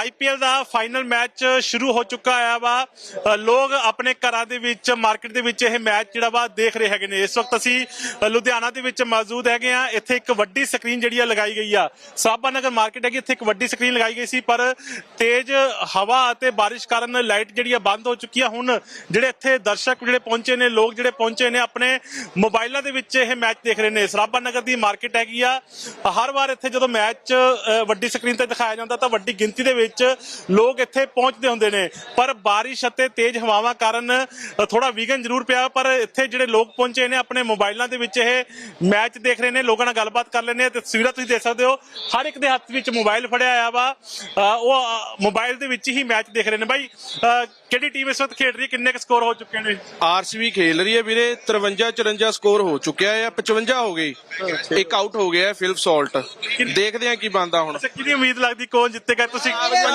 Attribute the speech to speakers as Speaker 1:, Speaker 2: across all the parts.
Speaker 1: IPL ਦਾ final match ਸ਼ੁਰੂ ਹੋ ਚੁੱਕਾ ਹੈ ਵਾ। ਲੋਕ ਆਪਣੇ ਘਰਾਂ ਦੇ ਵਿੱਚ ਮਾਰਕੀਟ ਦੇ ਵਿੱਚ ਇਹ ਮੈਚ ਜਿਹੜਾ ਵਾ ਦੇਖ ਰਹੇ ਹੈਗੇ ਨੇ। ਇਸ ਵਕਤ ਅਸੀਂ ਲੁਧਿਆਣਾ ਦੇ ਵਿੱਚ ਮੌਜੂਦ ਹੈਗੇ ਆ। ਇੱਥੇ ਇੱਕ ਵੱਡੀ ਸਕਰੀਨ ਜਿਹੜੀ ਆ ਲਗਾਈ ਗਈ ਆ। ਸਾਬਾ ਨਗਰ ਮਾਰਕੀਟ ਹੈਗੀ, ਇੱਥੇ ਇੱਕ ਵੱਡੀ ਸਕਰੀਨ ਲਗਾਈ ਗਈ ਸੀ, ਪਰ ਤੇਜ਼ ਹਵਾ ਅਤੇ ਬਾਰਿਸ਼ ਕਾਰਨ ਲਾਈਟ ਜਿਹੜੀ ਆ ਬੰਦ ਹੋ ਚੁੱਕੀ ਆ। ਹੁਣ ਜਿਹੜੇ ਇੱਥੇ ਦਰਸ਼ਕ ਜਿਹੜੇ ਪਹੁੰਚੇ ਨੇ, ਲੋਕ ਜਿਹੜੇ ਪਹੁੰਚੇ ਨੇ, ਆਪਣੇ ਮੋਬਾਈਲਾਂ ਦੇ ਵਿੱਚ ਇਹ ਮੈਚ ਦੇਖ ਰਹੇ ਨੇ। ਸਰਾਭਾ ਨਗਰ ਦੀ ਮਾਰਕੀਟ ਹੈਗੀ ਆ। ਹਰ ਵਾਰ ਇੱਥੇ ਜਦੋਂ ਮੈਚ ਵੱਡੀ ਸਕਰੀਨ ਤੇ ਦਿਖਾਇਆ ਜਾਂਦਾ ਤਾਂ ਵੱਡੀ ਗਿਣਤੀ ਦੇ ਵਿੱਚ ਲੋਕ ਇੱਥੇ ਪਹੁੰਚਦੇ ਹੁੰਦੇ ਨੇ, ਪਰ ਬਾਰਿਸ਼ ਅਤੇ ਤੇਜ਼ ਹਵਾਵਾਂ ਕਾਰਨ ਥੋੜਾ ਵਿਘਨ ਜ਼ਰੂਰ ਪਿਆ। ਪਰ ਇੱਥੇ ਜਿਹੜੇ ਲੋਕ ਪਹੁੰਚੇ ਨੇ ਆਪਣੇ ਮੋਬਾਈਲਾਂ ਦੇ ਵਿੱਚ ਇਹ ਮੈਚ ਦੇਖ ਰਹੇ ਨੇ। ਲੋਕਾਂ ਨਾਲ ਗੱਲਬਾਤ ਕਰ ਲੈਂਦੇ ਆ। ਤਸਵੀਰਾਂ ਤੁਸੀਂ ਦੇਖ ਸਕਦੇ ਹੋ, ਹਰ ਇੱਕ ਦੇ ਹੱਥ ਵਿੱਚ ਮੋਬਾਈਲ ਫੜਿਆ ਆ ਵਾ। ਉਹ ਮੋਬਾਈਲ ਦੇ ਵਿੱਚ ਹੀ ਮੈਚ ਦੇਖ ਰਹੇ ਨੇ। ਬਾਈ, ਕਿਹੜੀ ਟੀਮ ਇਸ ਵਕਤ ਖੇਡ ਰਹੀ ਹੈ? ਕਿੰਨੇ ਕੁ ਸਕੋਰ ਹੋ ਚੁੱਕੇ ਨੇ?
Speaker 2: ਆਰਸੀਬੀ ਖੇਲ ਰਹੀ ਹੈ ਵੀਰੇ। 53-54 ਸਕੋਰ ਹੋ ਚੁੱਕਿਆ ਹੈ। 55 ਹੋ ਗਏ, ਇੱਕ ਆਊਟ ਹੋ ਗਿਆ ਫਿਲਿਪ ਸੌਲਟ। ਦੇਖਦੇ ਆ ਕੀ ਬਣਦਾ ਹੁਣ।
Speaker 1: ਕਿਹਦੀ ਉਮੀਦ ਲੱਗਦੀ ਕੌਣ ਜਿੱਤੇਗਾ? ਤੁਸੀਂ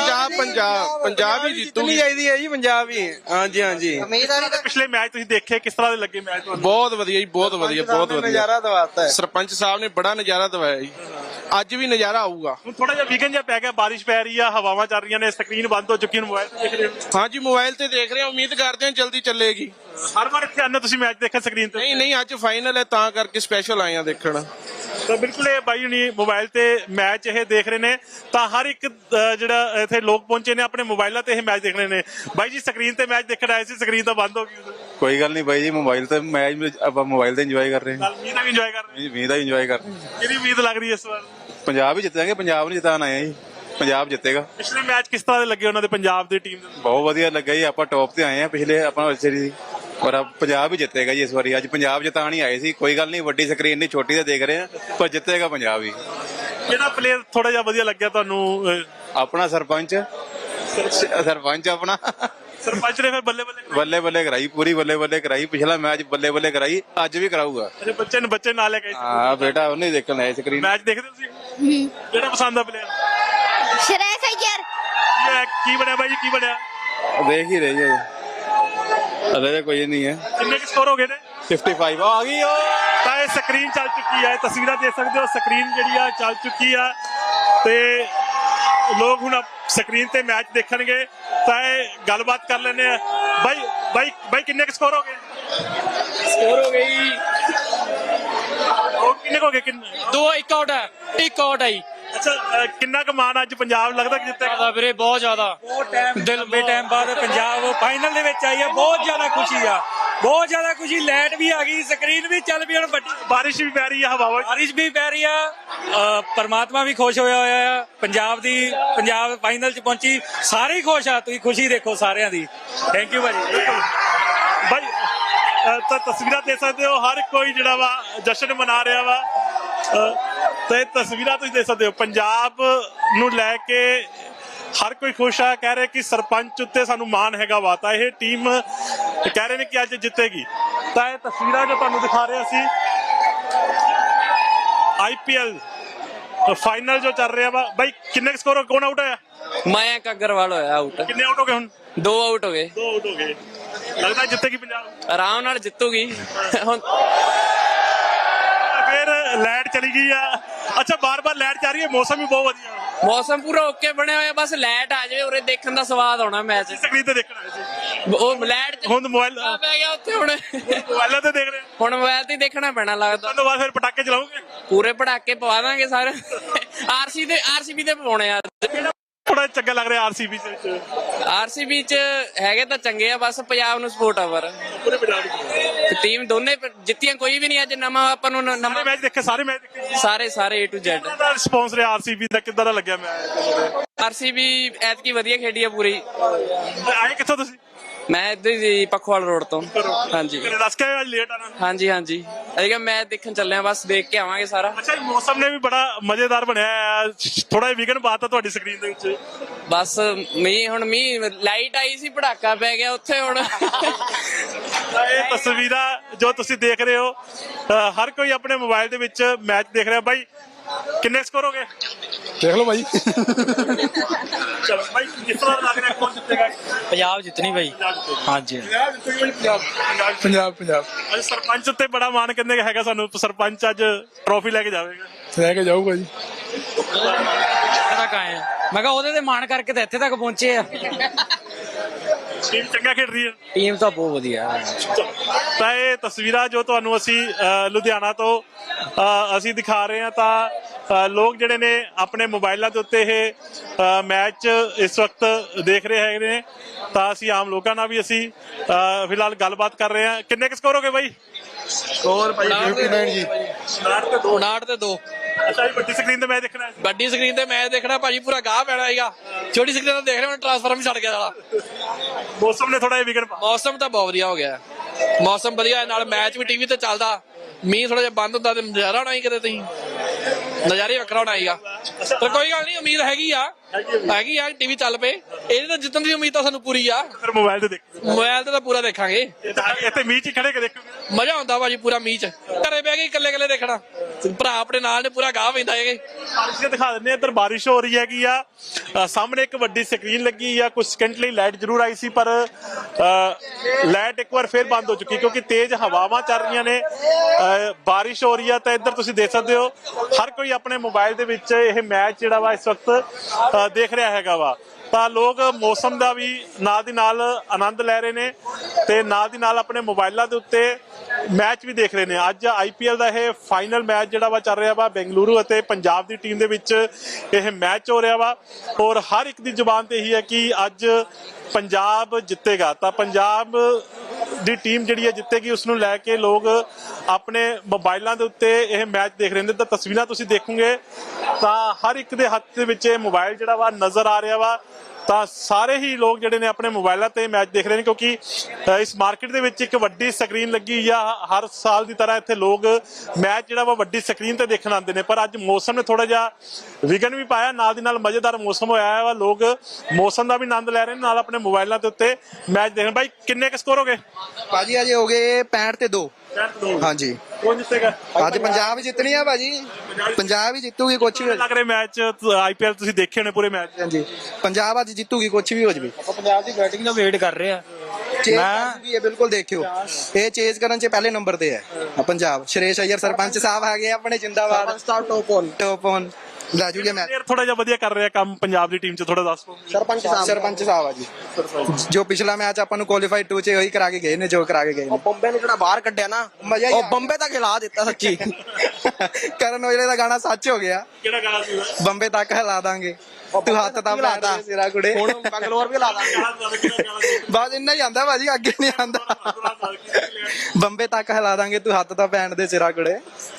Speaker 2: ਪੰਜਾਬ ਹੀ ਜਿੱਤੂਗੀ।
Speaker 3: ਚਾਹੀਦੀ ਹੈ ਜੀ, ਪੰਜਾਬ ਹੀ। ਹਾਂਜੀ ਹਾਂਜੀ,
Speaker 1: ਪਿਛਲੇ ਮੈਚ ਤੁਸੀਂ ਦੇਖੇ, ਕਿਸ ਤਰ੍ਹਾਂ ਦੇ ਲੱਗੇ ਮੈਚ ਤੁਹਾਨੂੰ?
Speaker 2: ਬਹੁਤ ਵਧੀਆ ਜੀ, ਬਹੁਤ ਵਧੀਆ, ਬਹੁਤ ਵਧੀਆ।
Speaker 3: ਨਜ਼ਾਰਾ ਦਵਾਤਾ ਹੈ
Speaker 2: ਸਰਪੰਚ ਸਾਹਿਬ ਨੇ ਬੜਾ ਨਜ਼ਾਰਾ ਦਵਾਇਆ ਜੀ। ਅੱਜ ਵੀ ਨਜ਼ਾਰਾ ਆਊਗਾ।
Speaker 1: ਹੁਣ ਥੋੜਾ ਜਿਹਾ ਵਿਘਨ ਜਿਹਾ ਪੈ ਗਿਆ, ਬਾਰਿਸ਼ ਪੈ ਰਹੀ ਆ, ਹਵਾਵਾਂ ਚੱਲ ਰਹੀਆਂ ਨੇ, ਸਕਰੀਨ ਬੰਦ ਹੋ ਚੁੱਕੀ ਹੈ। ਮੋਬਾਈਲ ਤੇ ਦੇਖ ਰਹੇ ਹੋ?
Speaker 2: ਹਾਂਜੀ, ਮੋਬਾਈਲ ਤੇ ਦੇਖ ਰਹੇ ਹਾਂ। ਉਮੀਦ ਕਰਦੇ ਹਾਂ ਜਲਦੀ ਚੱਲੇਗੀ।
Speaker 1: ਹਰ ਵਾਰ ਇੱਥੇ ਆਉਂਦੇ ਤੁਸੀਂ ਮੈਚ ਦੇਖਣ ਸਕਰੀਨ ਤੇ?
Speaker 2: ਨਹੀਂ ਨਹੀਂ, ਅੱਜ ਫਾਈਨਲ ਹੈ ਤਾਂ ਕਰਕੇ ਸਪੈਸ਼ਲ ਆਏ ਆ ਦੇਖਣ।
Speaker 1: ਤਾਂ ਬਿਲਕੁਲ ਇਹ ਬਾਈ ਹੁਣੀ ਮੋਬਾਈਲ ਤੇ ਮੈਚ ਇਹ ਦੇਖ ਰਹੇ ਨੇ। ਤਾਂ ਹਰ ਇੱਕ ਜਿਹੜਾ ਇੱਥੇ ਲੋਕ ਪਹੁੰਚੇ ਨੇ ਆਪਣੇ ਮੋਬਾਈਲਾਂ ਤੇ ਇਹ ਮੈਚ ਦੇਖ ਰਹੇ ਨੇ। ਬਾਈ ਜੀ, ਸਕਰੀਨ ਤੇ ਮੈਚ ਦੇਖਣ ਆਏ ਸੀ, ਸਕਰੀਨ ਤਾਂ ਬੰਦ ਹੋ ਗਈ।
Speaker 4: ਕੋਈ ਗੱਲ ਨਹੀਂ ਬਾਈ ਜੀ, ਮੋਬਾਈਲ ਤੇ ਮੈਚ ਆਪਾਂ ਮੋਬਾਈਲ ਤੇ ਇੰਜੋਏ ਕਰ ਰਹੇ ਹਾਂ।
Speaker 1: ਮੀਂਹ ਦਾ ਵੀ ਇੰਜੋਏ ਕਰ ਰਹੇ?
Speaker 4: ਮੀਂਹ ਦਾ ਇੰਜੋਏ ਕਰ ਰਹੇ ਹਾਂ।
Speaker 1: ਕਿਹਦੀ ਉਮੀਦ ਲੱਗ ਰਹੀ ਹੈ ਇਸ ਵਾਰ?
Speaker 4: ਪੰਜਾਬ ਹੀ ਜਿੱਤਾਂਗੇ, ਪੰਜਾਬ ਨੂੰ ਜਿਤਾਉਣ ਆਏ ਆ ਜੀ। ਪੰਜਾਬ ਜਿੱਤੇਗਾ।
Speaker 1: ਪਿਛਲੇ ਮੈਚ ਕਿਸ ਤਰ੍ਹਾਂ ਦੇ ਲੱਗੇ ਉਹਨਾਂ ਦੇ ਪੰਜਾਬ ਦੀ ਟੀਮ ਦੇ?
Speaker 4: ਬਹੁਤ ਵਧੀਆ ਲੱਗਾ ਜੀ। ਆਪਾਂ ਟੌਪ ਤੇ ਆਏ ਆ ਪਿਛਲੇ ਆਪਾਂ ਸੀਰੀਜ਼, ਪਰ ਪੰਜਾਬ ਹੀ ਜਿੱਤੇਗਾ ਜੀ ਇਸ ਵਾਰੀ। ਅੱਜ ਪੰਜਾਬ ਜਿਤਾਉਣ ਹੀ ਆਏ ਸੀ। ਕੋਈ ਗੱਲ ਨਹੀਂ, ਵੱਡੀ ਸਕਰੀਨ ਨਹੀਂ, ਛੋਟੀ ਤੇ ਦੇਖ ਰਹੇ ਆ, ਪਰ ਜਿੱਤੇਗਾ ਪੰਜਾਬ ਹੀ।
Speaker 1: ਕਿਹੜਾ ਪਲੇਅਰ ਥੋੜਾ ਜਿਹਾ ਵਧੀਆ ਲੱਗਿਆ ਤੁਹਾਨੂੰ?
Speaker 4: ਆਪਣਾ ਸਰਪੰਚ ਆਪਣਾ
Speaker 1: ਸਰਪੰਚ ਨੇ ਫਿਰ ਬੱਲੇ ਬੱਲੇ
Speaker 4: ਬੱਲੇ ਬੱਲੇ ਕਰਾਈ, ਪੂਰੀ ਬੱਲੇ ਬੱਲੇ ਕਰਾਈ। ਪਿਛਲਾ ਮੈਚ ਬੱਲੇ ਬੱਲੇ ਕਰਾਈ, ਅੱਜ ਵੀ ਕਰਾਊਗਾ।
Speaker 1: ਅੱਛਾ, ਬੱਚੇ ਨਾਲ ਲੈ ਕੇ
Speaker 4: ਹਾਂ ਬੇਟਾ, ਉਹਨੇ ਦੇਖਣ ਆਏ ਸਕਰੀਨ।
Speaker 1: ਮੈਚ ਦੇਖਦੇ ਤੁਸੀਂ? ਕਿਹੜਾ ਪਸੰਦ ਆ ਪਲੇਅਰ?
Speaker 5: ਸ਼ਰੇਖ ਅਯਰ।
Speaker 1: ਕੀ ਬਣਿਆ ਬਾਈ ਜੀ, ਕੀ ਬਣਿਆ?
Speaker 4: ਦੇਖ ਹੀ ਰਹੀ ਹੈ, ਅਰੇ ਕੋਈ ਨਹੀਂ ਹੈ।
Speaker 1: ਕਿੰਨੇ ਕੁ ਸਕੋਰ ਹੋ ਗਏ ਨੇ?
Speaker 4: 55 ਆ ਗਈ।
Speaker 1: ਤਾਂ ਇਹ ਸਕਰੀਨ ਚੱਲ ਚੁੱਕੀ ਹੈ, ਤਸਵੀਰਾਂ ਦੇਖ ਸਕਦੇ ਹੋ। ਸਕਰੀਨ ਜਿਹੜੀ ਆ ਚੱਲ ਚੁੱਕੀ ਆ ਤੇ ਲੋਕ ਹੁਣ ਸਕਰੀਨ ਤੇ ਮੈਚ ਦੇਖਣਗੇ। ਤਾਂ ਇਹ ਗੱਲਬਾਤ ਕਰ ਲੈਂਦੇ ਆ। ਬਾਈ ਕਿੰਨੇ ਕੁ ਸਕੋਰ ਹੋ ਗਏ?
Speaker 6: ਸਕੋਰ ਹੋ ਗਈ
Speaker 1: ਉਹ ਕਿੰਨੇ ਕੁ ਹੋ ਗਏ?
Speaker 6: 1 ਆਊਟ ਆਈ।
Speaker 1: ਅੱਛਾ, ਕਿੰਨਾ ਕੁ ਮਾਣ ਅੱਜ ਪੰਜਾਬ ਲੱਗਦਾ ਕਿ ਜਿੱਤੇਗਾ?
Speaker 6: ਵੀਰੇ ਬਹੁਤ ਜ਼ਿਆਦਾ ਦਿਲ ਬੇਟਾਈਮ ਬਾਅਦ ਪੰਜਾਬ ਫਾਈਨਲ ਦੇ ਵਿੱਚ ਆਈ ਹੈ। ਬਹੁਤ ਜ਼ਿਆਦਾ ਖੁਸ਼ੀ ਆ, ਬਹੁਤ ਜ਼ਿਆਦਾ ਖੁਸ਼ੀ। ਲਾਈਟ ਵੀ ਆ ਗਈ, ਸਕਰੀਨ ਵੀ ਚੱਲ ਪਈ। ਹੁਣ ਵੱਡੀ
Speaker 1: ਬਾਰਿਸ਼ ਵੀ ਪੈ ਰਹੀ ਆ, ਹਵਾਵਾਂ
Speaker 6: ਬਾਰਿਸ਼ ਵੀ ਪੈ ਰਹੀ ਆ। ਪਰਮਾਤਮਾ ਵੀ ਖੁਸ਼ ਹੋਇਆ ਆ। ਪੰਜਾਬ ਫਾਈਨਲ 'ਚ ਪਹੁੰਚੀ, ਸਾਰੇ ਹੀ ਖੁਸ਼ ਆ। ਤੁਸੀਂ ਖੁਸ਼ੀ ਦੇਖੋ ਸਾਰਿਆਂ ਦੀ। ਥੈਂਕ ਯੂ ਭਾਜੀ।
Speaker 1: ਬਾਈ, ਤਾਂ ਤਸਵੀਰਾਂ ਦੇਖ ਸਕਦੇ ਹੋ, ਹਰ ਕੋਈ ਜਿਹੜਾ ਵਾ ਜਸ਼ਨ ਮਨਾ ਰਿਹਾ ਵਾ। ਤੇ ਤਸਵੀਰਾਂ ਤੁਸੀਂ ਦੇਖ ਸਕਦੇ ਹੋ, ਪੰਜਾਬ ਨੂੰ ਲੈ ਕੇ ਹਰ ਕੋਈ ਖੁਸ਼ ਆ। ਕਹਿ ਰਹੇ ਕਿ ਸਰਪੰਚ ਉੱਤੇ ਸਾਨੂੰ ਮਾਣ ਹੈਗਾ ਵਾ। ਤਾਂ ਇਹ ਟੀਮ ਕਹਿ ਰਹੇ ਨੇ ਕਿ ਅੱਜ ਜਿੱਤੇਗੀ। ਤਾਂ ਇਹ ਤਸਵੀਰਾਂ ਜੋ ਤੁਹਾਨੂੰ ਦਿਖਾ ਰਹੇ ਸੀ, IPL ਫਾਈਨਲ ਜੋ ਚੱਲ ਰਿਹਾ ਵਾ। ਬਾਈ, ਕਿੰਨੇ ਸਕੋਰ? ਕੌਣ ਆਊਟ ਹੋਇਆ?
Speaker 6: ਮਯੰਕ ਅਗਰਵਾਲ ਹੋਇਆ ਆਊਟ।
Speaker 1: ਕਿੰਨੇ ਆਊਟ ਹੋ ਗਏ ਹੁਣ?
Speaker 6: 2 ਆਊਟ ਹੋ ਗਏ।
Speaker 1: 2 ਆਊਟ ਹੋ ਗਏ। ਲੱਗਦਾ ਜਿੱਤੇਗੀ ਪੰਜਾਬ?
Speaker 6: ਆਰਾਮ ਨਾਲ ਜਿੱਤੂਗੀ ਹੁਣ।
Speaker 1: ਫਿਰ ਲਾਈਟ ਚਲੀ ਗਈ ਆ। ਅੱਛਾ, ਬਾਰ-ਬਾਰ ਲਾਈਟ ਜਾ ਰਹੀ ਹੈ। ਮੌਸਮ ਵੀ ਬਹੁਤ ਵਧੀਆ,
Speaker 6: ਮੌਸਮ ਪੂਰਾ ਓਕੇ ਬਣਿਆ ਹੋਇਆ। ਬਸ ਲਾਈਟ ਆ ਜਾਵੇ, ਉਰੇ ਦੇਖਣ ਦਾ ਸਵਾਦ ਆਉਣਾ ਮੈਚ।
Speaker 1: ਸਕਰੀਨ ਤੇ ਦੇਖਣ ਆਏ ਸੀ।
Speaker 6: ਉਹ ਲਾਈਟ
Speaker 1: ਹੁਣ ਮੋਬਾਈਲ
Speaker 6: ਪੈ ਗਿਆ ਉੱਥੇ। ਹੁਣ
Speaker 1: ਮੋਬਾਈਲਾਂ ਤੇ ਦੇਖ ਰਹੇ ਹੋ?
Speaker 6: ਹੁਣ ਮੋਬਾਈਲ ਤੇ ਦੇਖਣਾ ਪੈਣਾ ਲੱਗਦਾ।
Speaker 1: ਉਸ ਤੋਂ ਬਾਅਦ ਫਿਰ ਪਟਾਕੇ ਚਲਾਓਗੇ?
Speaker 6: ਪੂਰੇ ਪੜਾਕੇ ਪਵਾ ਦਾਂਗੇ ਸਾਰੇ। ਆਰਸੀਬੀ ਤੇ ਪਵਾਉਣੇ ਆ।
Speaker 1: ਥੋੜਾ ਚੰਗਾ ਲੱਗ ਰਿਹਾ RCB ਚ?
Speaker 6: ਆਰਸੀਬੀ ਚ ਹੈਗੇ ਤਾਂ ਚੰਗੇ ਆ, ਬਸ ਪੰਜਾਬ ਨੂੰ ਸਪੋਰਟ ਆ। ਪਰ
Speaker 1: ਪੂਰੇ ਪੰਜਾਬ ਦੇ
Speaker 6: ਟੀਮ ਦੋਨੇ ਜਿੱਤੀਆਂ, ਕੋਈ ਵੀ ਨਹੀਂ ਅੱਜ ਨਵਾਂ ਆਪਾਂ ਨੂੰ
Speaker 1: ਸਾਰੇ ਮੈਚ ਦੇਖੇ? ਸਾਰੇ ਮੈਚ ਦੇਖੇ?
Speaker 6: ਸਾਰੇ A to Z।
Speaker 1: ਕਿੰਨਾ ਦਾ ਰਿਸਪੌਂਸ ਰਿਹਾ RCB ਦਾ? ਕਿੱਦਾਂ ਦਾ ਲੱਗਿਆ ਮੈਚ?
Speaker 6: ਆਰਸੀਬੀ ਐਤਕੀ ਵਧੀਆ ਖੇਡੀ ਆ ਪੂਰੀ।
Speaker 1: ਆਏ ਕਿੱਥੋਂ ਤੁਸੀਂ?
Speaker 6: ਮੈਂ ਇੱਧਰ ਹੀ ਪਖਵਾਲ ਰੋਡ ਤੋਂ। ਹਾਂਜੀ
Speaker 1: ਦੱਸ ਕੇ ਅੱਜ ਲੇਟ ਆਣਾ?
Speaker 6: ਹਾਂਜੀ ਅਸੀਂ ਮੈਚ ਦੇਖਣ ਚੱਲੇ ਆ, ਬਸ ਦੇਖ ਕੇ ਆਵਾਂਗੇ ਸਾਰਾ।
Speaker 1: ਅੱਛਾ, ਮੌਸਮ ਨੇ ਵੀ ਬੜਾ ਮਜ਼ੇਦਾਰ ਬਣਿਆ। ਥੋੜਾ ਜਿਹਾ ਵਿਘਨ ਪਾਤਾ ਤੁਹਾਡੀ ਸਕਰੀਨ ਦੇ ਵਿੱਚ।
Speaker 6: ਬਸ ਮੀਂਹ ਲਾਈਟ ਆਈ ਸੀ, ਪਟਾਕਾ ਪੈ ਗਿਆ ਉੱਥੇ। ਹੁਣ
Speaker 1: ਇਹ ਤਸਵੀਰਾਂ ਜੋ ਤੁਸੀਂ ਦੇਖ ਰਹੇ ਹੋ, ਹਰ ਕੋਈ ਆਪਣੇ ਮੋਬਾਈਲ ਦੇ ਵਿੱਚ ਮੈਚ ਦੇਖ ਰਿਹਾ। ਬਾਈ, ਕਿੰਨੇ ਸਕੋਰ ਹੋ ਗਏ?
Speaker 3: ਦੇਖ ਲਓ ਭਾਈ।
Speaker 1: ਚਲੋ ਬਾਈ, ਕਿਸ ਤਰ੍ਹਾਂ ਲੱਗ ਰਿਹਾ ਕੌਣ ਜਿੱਤੇਗਾ?
Speaker 6: ਪੰਜਾਬ ਜਿੱਤਣੀ ਬਾਈ। ਹਾਂਜੀ
Speaker 3: ਪੰਜਾਬ
Speaker 1: ਅੱਜ ਸਰਪੰਚ ਉੱਤੇ ਬੜਾ ਮਾਣ ਕਹਿੰਦੇ ਹੈਗਾ ਸਾਨੂੰ। ਸਰਪੰਚ ਅੱਜ ਟਰੋਫੀ ਲੈ ਕੇ ਜਾਵੇਗਾ।
Speaker 3: ਲੈ ਕੇ ਜਾਊਗਾ ਜੀ।
Speaker 6: ਤੱਕ ਆਏ ਮੈਂ ਕਿਹਾ ਉਹਦੇ ਤੇ ਮਾਣ ਕਰਕੇ ਤਾਂ ਇੱਥੇ ਤੱਕ ਪਹੁੰਚੇ ਆ।
Speaker 1: ਟੀਮ ਚੰਗਾ ਖੇਡ ਰਹੀ ਹੈ।
Speaker 6: ਟੀਮ ਤਾਂ ਬਹੁਤ ਵਧੀਆ ਹੈ।
Speaker 1: ਤਾਂ ਇਹ ਤਸਵੀਰਾਂ ਜੋ ਤੁਹਾਨੂੰ ਅਸੀਂ ਲੁਧਿਆਣਾ ਤੋਂ ਅਸੀਂ ਦਿਖਾ ਰਹੇ ਹਾਂ ਤਾਂ ਲੋਕ ਜਿਹੜੇ ਨੇ ਆਪਣੇ ਮੋਬਾਈਲਾਂ ਦੇ ਉੱਤੇ ਇਹ ਮੈਚ ਇਸ ਵਕਤ ਦੇਖ ਰਹੇ ਹੈਗੇ ਨੇ। ਤਾਂ ਅਸੀਂ ਆਮ ਲੋਕਾਂ ਨਾਲ ਵੀ ਅਸੀਂ ਫਿਲਹਾਲ ਗੱਲਬਾਤ ਕਰ ਰਹੇ ਹਾਂ। ਕਿੰਨੇ ਕੁ ਸਕੋਰ ਹੋ ਗਏ ਬਾਈ?
Speaker 3: ਸਕੋਰ ਭਾਈ 59 ਜੀ
Speaker 6: 59 ਤੇ 2।
Speaker 1: ਅੱਛਾ ਜੀ, ਵੱਡੀ ਸਕਰੀਨ ਤੇ ਮੈਚ ਦੇਖਣਾ ਹੈ।
Speaker 6: ਵੱਡੀ ਸਕਰੀਨ ਤੇ ਮੈਚ ਦੇਖਣਾ ਭਾਜੀ, ਪੂਰਾ ਗਾਹ ਪੈਣਾ ਹੈਗਾ। ਛੋਟੀ ਸਕਰੀਨ ਤੇ ਦੇਖ ਰਹੇ ਹੁਣ ਟ੍ਰਾਂਸਫਾਰਮ ਹੀ ਛੱਡ ਗਿਆ ਸਾਲਾ।
Speaker 1: ਮੌਸਮ ਨੇ ਥੋੜਾ ਜਿਹਾ ਵਿਗੜ ਪਾ।
Speaker 6: ਮੌਸਮ ਤਾਂ ਬਹੁਤ ਵਧੀਆ ਹੋ ਗਿਆ। ਮੌਸਮ ਵਧੀਆ ਹੈ, ਨਾਲ ਮੈਚ ਵੀ ਟੀਵੀ ਤੇ ਚੱਲਦਾ। ਮੀਂਹ ਥੋੜਾ ਜਿਹਾ ਬੰਦ ਹੁੰਦਾ ਤੇ ਨਜ਼ਾਰਾ ਹੋਣਾ ਹੀ ਕਿਤੇ, ਤੁਸੀਂ ਨਜ਼ਾਰੇ ਵੱਖਰਾ ਹੋਣਾ ਹੀਗਾ। ਪਰ ਕੋਈ ਗੱਲ ਨਹੀਂ, ਉਮੀਦ ਹੈਗੀ ਆ ਟੀਵੀ ਚੱਲ ਪਏ। ਇਹਦੀ ਤਾਂ ਜਿੱਤਣ ਦੀ ਉਮੀਦ ਤਾਂ ਸਾਨੂੰ ਪੂਰੀ ਆ।
Speaker 1: ਫਿਰ ਮੋਬਾਈਲ ਤੇ ਦੇਖ।
Speaker 6: ਮੋਬਾਈਲ ਤੇ ਤਾਂ ਪੂਰਾ ਦੇਖਾਂਗੇ।
Speaker 1: ਇੱਥੇ ਮੀਂਹ 'ਚ ਹੀ ਖੜੇ ਕੇ ਦੇਖੋਗੇ।
Speaker 6: ਮਜ਼ਾ ਆਉਂਦਾ ਭਾਜੀ ਪੂਰਾ ਮੀਂਹ 'ਚ। ਘਰੇ ਬਹਿ ਕੇ ਇਕੱਲੇ ਦੇਖਣਾ, ਭਰਾ ਆਪਣੇ ਨਾਲ ਨੇ, ਪੂਰਾ ਗਾਹ ਪੈਂਦਾ ਹੈਗੇ।
Speaker 1: ਬਾਰਿਸ਼ ਦਿਖਾ ਦਿੰਦੇ ਆ। ਇੱਧਰ ਬਾਰਿਸ਼ ਹੋ ਰਹੀ ਹੈਗੀ ਆ। ਸਾਹਮਣੇ ਇੱਕ ਵੱਡੀ ਸਕਰੀਨ ਲੱਗੀ ਆ। ਕੁਝ ਸਕਿੰਟ ਲਈ ਲਾਈਟ ਜ਼ਰੂਰ ਆਈ ਸੀ, ਪਰ ਲਾਈਟ ਇੱਕ ਵਾਰ ਫੇਰ ਬੰਦ ਹੋ ਚੁੱਕੀ ਕਿਉਂਕਿ ਤੇਜ਼ ਹਵਾਵਾਂ ਚੱਲ ਰਹੀਆਂ ਨੇ। ਬਾਰਿਸ਼ ਹੋ ਰਹੀ ਆ। ਤਾਂ ਇੱਧਰ ਤੁਸੀਂ ਦੇਖ ਸਕਦੇ ਹੋ ਹਰ ਕੋਈ ਆਪਣੇ ਮੋਬਾਈਲ ਦੇ ਵਿੱਚ ਇਹ ਮੈਚ ਜਿਹੜਾ ਵਾ ਇਸ ਵਕਤ ਦੇਖ ਰਿਹਾ ਹੈਗਾ ਵਾ। ਤਾਂ ਲੋਕ ਮੌਸਮ ਦਾ ਵੀ ਨਾਲ ਦੀ ਨਾਲ ਆਨੰਦ ਲੈ ਰਹੇ ਨੇ ਤੇ ਨਾਲ ਦੀ ਨਾਲ ਆਪਣੇ ਮੋਬਾਈਲਾਂ ਦੇ ਉੱਤੇ ਮੈਚ ਵੀ ਦੇਖ ਰਹੇ ਨੇ। ਅੱਜ IPL ਦਾ ਇਹ ਫਾਈਨਲ ਮੈਚ ਜਿਹੜਾ ਵਾ ਚੱਲ ਰਿਹਾ ਵਾ। ਬੈਂਗਲੁਰੂ ਅਤੇ ਪੰਜਾਬ ਦੀ ਟੀਮ ਦੇ ਵਿੱਚ ਇਹ ਮੈਚ ਹੋ ਰਿਹਾ ਵਾ ਔਰ ਹਰ ਇੱਕ ਦੀ ਜ਼ੁਬਾਨ ਤੇ ਇਹੀ ਹੈ ਕਿ ਅੱਜ ਪੰਜਾਬ ਜਿੱਤੇਗਾ। ਤਾਂ ਪੰਜਾਬ ਦੀ ਟੀਮ ਜਿਹੜੀ ਹੈ ਜਿੱਤੇਗੀ, ਉਸ ਨੂੰ ਲੈ ਕੇ ਲੋਕ ਆਪਣੇ ਮੋਬਾਈਲਾਂ ਦੇ ਉੱਤੇ ਇਹ ਮੈਚ ਦੇਖ ਰਹੇ ਨੇ। ਤਾਂ ਤਸਵੀਰਾਂ ਤੁਸੀਂ ਦੇਖੋਗੇ ਤਾਂ ਹਰ ਇੱਕ ਦੇ ਹੱਥ ਦੇ ਵਿੱਚ ਇਹ ਮੋਬਾਈਲ ਜਿਹੜਾ ਵਾ ਨਜ਼ਰ ਆ ਰਿਹਾ ਵਾ। ਤਾਂ ਸਾਰੇ ਹੀ ਲੋਕ ਜਿਹੜੇ ਨੇ ਆਪਣੇ ਮੋਬਾਈਲਾਂ ਤੇ ਮੈਚ ਦੇਖ ਰਹੇ ਨੇ ਕਿਉਂਕਿ ਇਸ ਮਾਰਕੀਟ ਦੇ ਵਿੱਚ ਇੱਕ ਵੱਡੀ ਸਕਰੀਨ ਲੱਗੀ ਹੋਈ ਆ। ਹਰ ਸਾਲ ਦੀ ਤਰ੍ਹਾਂ ਇੱਥੇ ਲੋਕ ਮੈਚ ਜਿਹੜਾ ਵਾ ਵੱਡੀ ਸਕਰੀਨ ਤੇ ਦੇਖਣ ਆਉਂਦੇ ਨੇ, ਪਰ ਅੱਜ ਮੌਸਮ ਨੇ ਥੋੜਾ ਜਿਹਾ ਵਿਗਨ ਵੀ ਪਾਇਆ। ਨਾਲ ਦੀ ਨਾਲ ਮਜ਼ੇਦਾਰ ਮੌਸਮ ਹੋਇਆ ਵਾ। ਲੋਕ ਮੌਸਮ ਦਾ ਵੀ ਆਨੰਦ ਲੈ ਰਹੇ ਨੇ, ਨਾਲ ਆਪਣੇ ਮੋਬਾਈਲਾਂ ਦੇ ਉੱਤੇ ਮੈਚ ਦੇਖ ਰਹੇ। ਬਾਈ ਕਿੰਨੇ ਕੁ ਸਕੋਰ ਹੋ ਗਏ
Speaker 3: ਭਾਜੀ? ਅਜੇ ਹੋ ਗਏ 65 ਤੇ 2। ਹਾਂਜੀ।
Speaker 1: ਕੌਣ ਜਿੱਤੇਗਾ?
Speaker 3: ਅੱਜ ਪੰਜਾਬ ਹੀ ਜਿੱਤਣੀ ਆ ਭਾਜੀ। ਪੰਜਾਬ ਹੀ ਜਿੱਤੂਗੀ, ਕੁਛ ਵੀ ਹੋ
Speaker 1: ਲੱਗ ਰਿਹਾ ਮੈਚ IPL ਤੁਸੀਂ ਦੇਖੇ ਹੋਣੇ ਪੂਰੇ ਮੈਚ।
Speaker 3: ਹਾਂਜੀ, ਪੰਜਾਬ ਅੱਜ ਜਿੱਤੂਗੀ, ਕੁਛ ਵੀ ਹੋ ਜਵੇ।
Speaker 6: ਆਪਾਂ ਪੰਜਾਬ ਦੀ ਬੈਟਿੰਗ ਦਾ ਵੇਟ ਕਰ ਰਹੇ ਆ।
Speaker 3: ਵੀ ਇਹ ਬਿਲਕੁਲ ਦੇਖਿਓ, ਇਹ ਚੇਜ਼ ਕਰਨ ਚ ਪਹਿਲੇ ਨੰਬਰ ਤੇ ਹੈ ਪੰਜਾਬ। ਸ਼੍ਰੇਸ਼ ਅਯਰ ਸਰਪੰਚ ਸਾਹਿਬ ਹੈਗੇ ਆਪਣੇ, ਜਿੰਦਾਬਾਦ। ਟੌਪ ਔਨ ਲੈ ਜੂਗੇ ਮੈਚ।
Speaker 1: ਥੋੜਾ ਜਿਹਾ ਵਧੀਆ ਕਰ ਰਿਹਾ ਕੰਮ ਪੰਜਾਬ ਦੀ ਟੀਮ ਚ, ਥੋੜਾ ਦੱਸੋ।
Speaker 3: ਸਰਪੰਚ ਸਾਹਿਬ ਆ ਜੀ, ਜੋ ਪਿਛਲਾ ਮੈਚ ਆਪਾਂ ਨੂੰ ਕੁਆਲੀਫਾਈ 2 ਚ ਉਹੀ ਕਰਾ ਕੇ ਗਏ ਨੇ, ਜੋ ਕਰਾ ਕੇ ਗਏ ਨੇ।
Speaker 7: ਬੰਬੇ ਨੂੰ ਜਿਹੜਾ ਬਾਹਰ ਕੱਢਿਆ ਨਾ,
Speaker 3: ਮਜ਼ਾ ਹੀ
Speaker 7: ਉਹ ਬੰਬੇ ਤੱਕ ਹਿਲਾ ਦਿੱਤਾ ਸੱਚੀ।
Speaker 3: ਕਰਨ ਔਜਲੇ ਦਾ ਗਾਣਾ ਸੱਚ ਹੋ ਗਿਆ।
Speaker 1: ਕਿਹੜਾ ਗਾਣਾ ਸੀ?
Speaker 3: ਬੰਬੇ ਤੱਕ ਹਿਲਾ ਦਾਂਗੇ, ਤੂੰ ਹੱਥ ਤਾਂ ਲਾ ਦਾ ਸਿਰਾ ਕੁੜੇ।
Speaker 7: ਹੁਣ ਬੰਗਲੌਰ ਵੀ ਲਾ ਦਾਂਗੇ।
Speaker 3: ਬਸ ਇੰਨਾ ਹੀ ਆਂਦਾ ਭਾਜੀ, ਅੱਗੇ ਨਹੀਂ ਆਂਦਾ। ਬੰਬੇ ਤੱਕ ਹਿਲਾ ਦਾਂਗੇ, ਤੂੰ ਹੱਥ ਤਾਂ ਪੈਣ ਦੇ ਸਿਰਾ ਕੁੜੇ।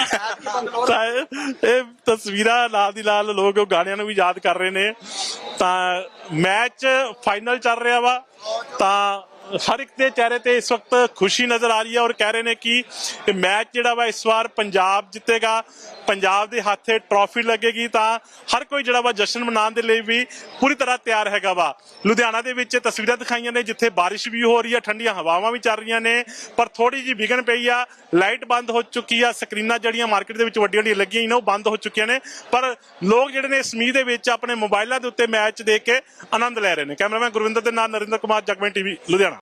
Speaker 1: ਤਾਂ ਇਹ ਤਸਵੀਰਾਂ ਨਾਲ ਦੀ ਨਾਲ ਲੋਕ ਉਹ ਗਾਣਿਆਂ ਨੂੰ ਵੀ ਯਾਦ ਕਰ ਰਹੇ ਨੇ। ਤਾਂ ਮੈਚ ਫਾਈਨਲ ਚੱਲ ਰਿਹਾ ਵਾ। ਤਾਂ ਹਰ ਇੱਕ ਦੇ ਚਿਹਰੇ ਤੇ ਇਸ ਵਕਤ ਖੁਸ਼ੀ ਨਜ਼ਰ ਆ ਰਹੀ ਹੈ ਔਰ ਕਹਿ ਰਹੇ ਨੇ ਕਿ ਇਹ ਮੈਚ ਜਿਹੜਾ ਵਾ ਇਸ ਵਾਰ ਪੰਜਾਬ ਜਿੱਤੇਗਾ, ਪੰਜਾਬ ਦੇ ਹੱਥੇ ਟਰੋਫੀ ਲੱਗੇਗੀ। ਤਾਂ ਹਰ ਕੋਈ ਜਿਹੜਾ ਵਾ ਜਸ਼ਨ ਮਨਾਉਣ ਦੇ ਲਈ ਵੀ ਪੂਰੀ ਤਰ੍ਹਾਂ ਤਿਆਰ ਹੈਗਾ ਵਾ। ਲੁਧਿਆਣਾ ਦੇ ਵਿੱਚ ਤਸਵੀਰਾਂ ਦਿਖਾਈਆਂ ਨੇ ਜਿੱਥੇ ਬਾਰਿਸ਼ ਵੀ ਹੋ ਰਹੀ ਹੈ, ਠੰਡੀਆਂ ਹਵਾਵਾਂ ਵੀ ਚੱਲ ਰਹੀਆਂ ਨੇ, ਪਰ ਥੋੜੀ ਜਿਹੀ ਵਿਗਨ ਪਈ ਆ। ਲਾਈਟ ਬੰਦ ਹੋ ਚੁੱਕੀ ਆ। ਸਕਰੀਨਾਂ ਜਿਹੜੀਆਂ ਮਾਰਕੀਟ ਦੇ ਵਿੱਚ ਵੱਡੀਆਂ ਵੱਡੀਆਂ ਲੱਗੀਆਂ ਨੇ ਉਹ ਬੰਦ ਹੋ ਚੁੱਕੀਆਂ ਨੇ, ਪਰ ਲੋਕ ਜਿਹੜੇ ਨੇ ਇਸ ਮੀਂਹ ਦੇ ਵਿੱਚ ਆਪਣੇ ਮੋਬਾਈਲਾਂ ਦੇ ਉੱਤੇ ਮੈਚ ਦੇਖ ਕੇ ਆਨੰਦ ਲੈ ਰਹੇ ਨੇ। ਕੈਮਰਾਮੈਨ ਗੁਰਵਿੰਦਰ ਦੇ ਨਾਲ ਨਰਿੰਦਰ ਕੁਮਾਰ, ਜਗਮੈਨ TV, ਲੁਧਿਆਣਾ।